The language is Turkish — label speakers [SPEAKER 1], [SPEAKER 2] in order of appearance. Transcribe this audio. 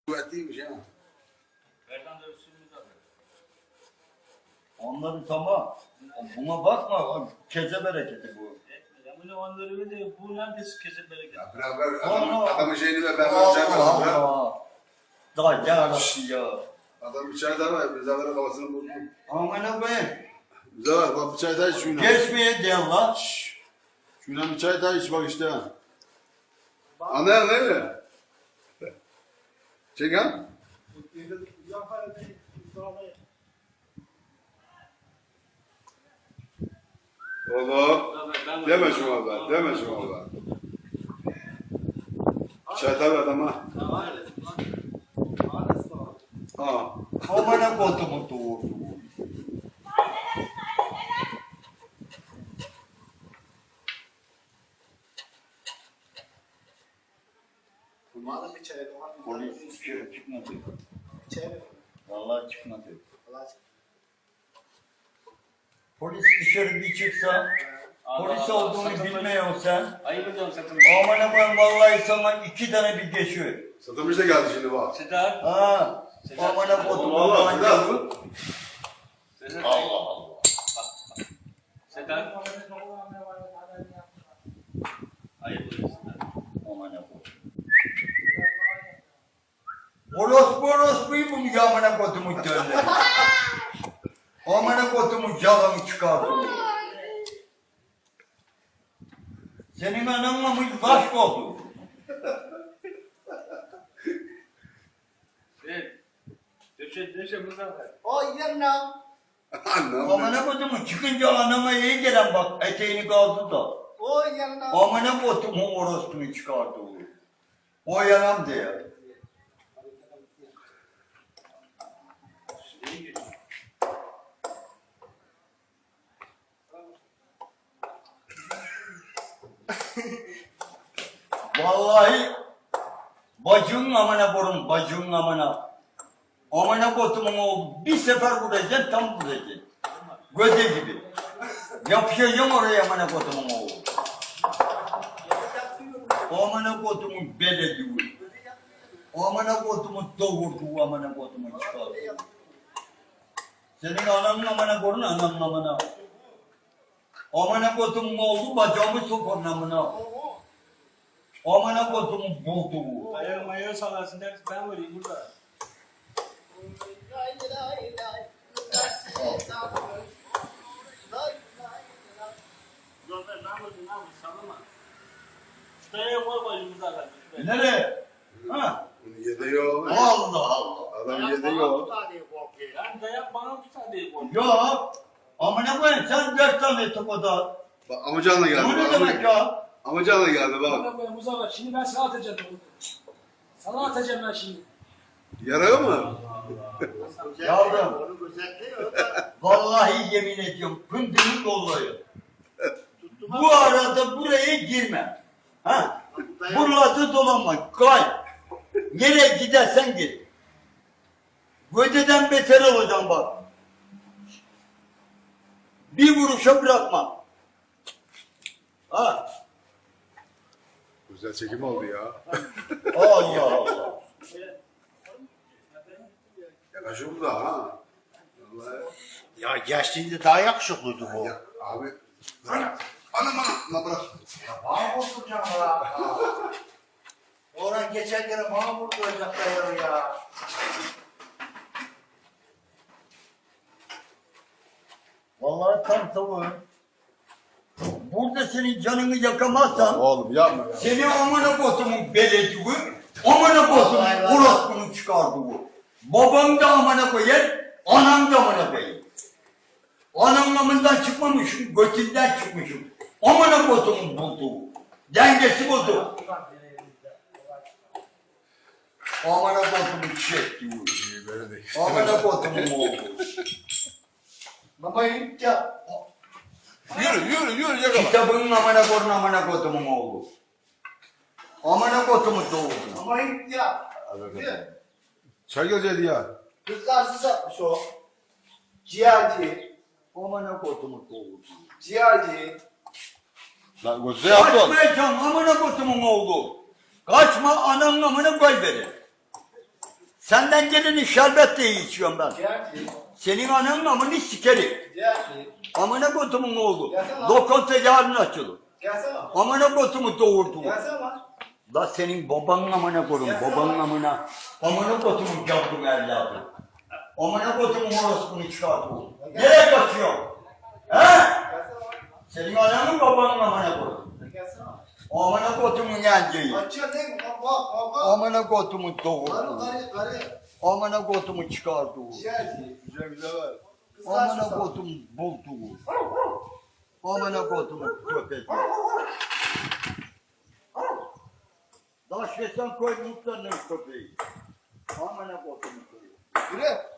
[SPEAKER 1] Kuvvetliymiş ya.
[SPEAKER 2] Onları tamam. Buna bakma. Keze bereketi bu.
[SPEAKER 3] Bu neredeyse keze bereketi.
[SPEAKER 1] Ya beraber adamın şeyini ver. Ben
[SPEAKER 2] Allah
[SPEAKER 1] vereceğim.
[SPEAKER 2] Allah. Daha yarası ya.
[SPEAKER 1] Adam bir çay daha ver. Bize ver kafasını bozdu.
[SPEAKER 2] Aman abi.
[SPEAKER 1] Bize ver. Bak bir çay daha iç şuyla.
[SPEAKER 2] Geçmeye diyen lan.
[SPEAKER 1] Şuyla bir çay daha iç bak işte. Anlayan değil mi? Çek ha. Oğlum. Deme şu valla. Deme şu valla. Çay daha ver adama. Ha.
[SPEAKER 2] Amana kodumu doğurdu.
[SPEAKER 4] Madem bir çay var.
[SPEAKER 2] Polis çıkmadı.
[SPEAKER 4] Çay ver.
[SPEAKER 2] Vallahi çıkmadı.
[SPEAKER 4] Allah aşkına.
[SPEAKER 2] Polis dışarı bir çıksa, polis olduğunu bilmiyorsan,
[SPEAKER 3] Ayıp ediyorum satın.
[SPEAKER 2] amana ben vallahi sana 2 tane bir geçiyor.
[SPEAKER 1] Satılmış da geldi şimdi bak.
[SPEAKER 3] Sedat.
[SPEAKER 2] Ha, amana kodumu
[SPEAKER 1] Allah
[SPEAKER 2] manyağı.
[SPEAKER 1] Allah.
[SPEAKER 3] Sedat.
[SPEAKER 2] Allah Allah.
[SPEAKER 3] Sedat. Ayıp ediyorsun.
[SPEAKER 2] Amana kodumu. Orospu'yu bunu amana kodumu döndü. Amana kodumu yalanı çıkardı. Senin ananla mı baş oldu?
[SPEAKER 3] Döşe Muzaffer.
[SPEAKER 4] O yerine.
[SPEAKER 1] Anlam.
[SPEAKER 2] Amana kodumu çıkınca anama iyi gelen bak eteğini kaldı da.
[SPEAKER 4] O yerine.
[SPEAKER 2] Amana kodumu orospu'yu çıkardı. O yalan diye. Vallahi bacının amına korum, bacının amına. Amına kodumun oğlu bir sefer vuracaksın, tam vuracaksın. Göde gibi. Yapışacağım oraya amına kodumun oğlu. Amına kodumun belediği. Amına kodumun doğurduğu amına kodumun çıkardı. Senin ananın amına korun, ananın amına. Amına kodumun oğlu bacağımı sokarın amına. Amına kodumun bulduğu.
[SPEAKER 3] Ayağı sallarsın dersin ben varayım burada. Muzaffer ne yapıyorsun sallama. Şuraya koy bayım Muzaffer.
[SPEAKER 2] Nereye? Ha?
[SPEAKER 1] Bunu yediyor.
[SPEAKER 2] Allah Allah.
[SPEAKER 1] Adam yediyor.
[SPEAKER 3] Yani dayak bana tutar diye korkuyorum.
[SPEAKER 2] Yok. Amına koyayım sen 4 tane topada.
[SPEAKER 1] Bak amcanla geldi.
[SPEAKER 2] Bu ne
[SPEAKER 1] bak.
[SPEAKER 2] demek ya?
[SPEAKER 1] Amcanla geldi bak.
[SPEAKER 5] Bana koyayım Muzaffer, şimdi ben sana atacağım. Sana atacağım ben şimdi.
[SPEAKER 1] Yarıyor mu?
[SPEAKER 2] Yavrum.
[SPEAKER 4] Onu gözetliyor da.
[SPEAKER 2] Vallahi yemin ediyorum pındırı doluyum. Bu arada buraya girme. Ha? Buralarda dolanma. Kay. Nereye gidersen git. Gödeden beter olacaksın bak. Bir vuruşa bırakma. Ha?
[SPEAKER 1] Güzel çekim oldu ya.
[SPEAKER 2] Allah Allah.
[SPEAKER 1] Yakışıyor bu da ha. Vallahi.
[SPEAKER 4] Ya gençliğinde daha yakışıklıydı bu.
[SPEAKER 1] Ya, abi. Anam anam bırak.
[SPEAKER 4] Ya bana vurduracağım ya. Oradan geçerken bana vurduracaklar ya.
[SPEAKER 2] Vallahi tam tavuğum. Burada senin canını yakamazsan
[SPEAKER 1] Oğlum yapma ya.
[SPEAKER 2] seni amına kodumun belediği, amına kodumun orospunun çıkardı bu. Babam da amına koyar, anam da amına koyar. Anamlamından çıkmamışım, götünden çıkmışım. Amına kodumun bulduğu. Dengesi bozdu. Amına kodumun çekti bu. Amına kodumun oldu. Babayım ya.
[SPEAKER 1] Yürü yakala.
[SPEAKER 2] Kitabının amına kodumun oldu. Amına kodumun doğdu.
[SPEAKER 4] Ama ya.
[SPEAKER 1] Çay geleceğiydi ya.
[SPEAKER 4] Kızlarsız atmış o. Ciğerci.
[SPEAKER 2] Amına kodumun doğdu.
[SPEAKER 4] Ciğerci.
[SPEAKER 1] Lan gözü yaptın.
[SPEAKER 2] Kaçmayacaksın amına kodumun oldu. Kaçma ananın amına koy beni. Senden geleni şerbet de içiyorum ben.
[SPEAKER 4] Ciğerci.
[SPEAKER 2] Senin ananın amını sikerim.
[SPEAKER 4] Ciğerci.
[SPEAKER 2] Amına kodumun oğlu.
[SPEAKER 4] Gelsene lan.
[SPEAKER 2] Lokanta yarın açılır.
[SPEAKER 4] Gelsene lan.
[SPEAKER 2] Amına kodumu doğurdu.
[SPEAKER 4] Gelsene lan.
[SPEAKER 2] La senin babanın amına kodum, babanın amına. Amına kodumun yavrum evladı. Amına kodumun orospunu çıkardı. Nereye kaçıyor? He?
[SPEAKER 4] Gelsene lan.
[SPEAKER 2] Senin ananın babanın amına kodum.
[SPEAKER 4] Gelsene lan.
[SPEAKER 2] Amına kodumun yenceyi.
[SPEAKER 4] Açıyor değil mi? Bak.
[SPEAKER 2] Amına kodumun
[SPEAKER 4] Karı
[SPEAKER 2] doğurdu.
[SPEAKER 4] karı.
[SPEAKER 2] Amına kodumu çıkardı.
[SPEAKER 4] Ciğerci.
[SPEAKER 1] Güzel var.
[SPEAKER 2] Amına kodum buldu. Amına kodumun köpek. Daş yesen koy mutlarının köpeği. Amına kodumun köpeği.
[SPEAKER 4] Yürü.